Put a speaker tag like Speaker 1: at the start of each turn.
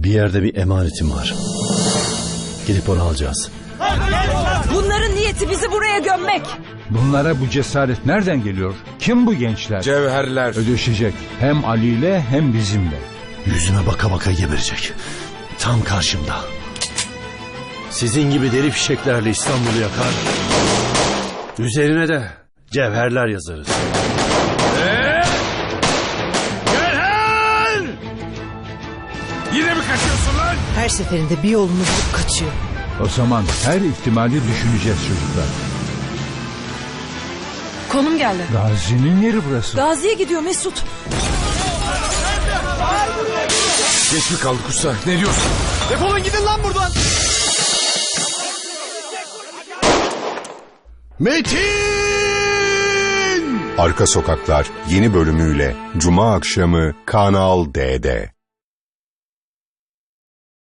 Speaker 1: Bir yerde bir emanetim var. Gidip onu alacağız.
Speaker 2: Bunların niyeti bizi buraya gömmek.
Speaker 3: Bunlara bu cesaret nereden geliyor? Kim bu gençler?
Speaker 4: Cevherler.
Speaker 3: Ödeşecek. Hem Ali ile hem bizimle.
Speaker 1: Yüzüme baka baka geberecek. Tam karşımda. Sizin gibi deri fişeklerle İstanbul'u yakar. Üzerine de cevherler yazarız.
Speaker 4: Cevher! Yine mi kaçıyorsun lan?
Speaker 2: Her seferinde bir yolunu bulup kaçıyor.
Speaker 3: O zaman her ihtimali düşüneceğiz çocuklar.
Speaker 2: Konum geldi.
Speaker 3: Gazi'nin yeri burası.
Speaker 2: Gazi'ye gidiyor Mesut.
Speaker 4: Geç mi kaldık usta? Ne diyorsun?
Speaker 5: Defolun gidin lan buradan.
Speaker 1: Metin!
Speaker 6: Arka Sokaklar yeni bölümüyle Cuma akşamı Kanal D'de.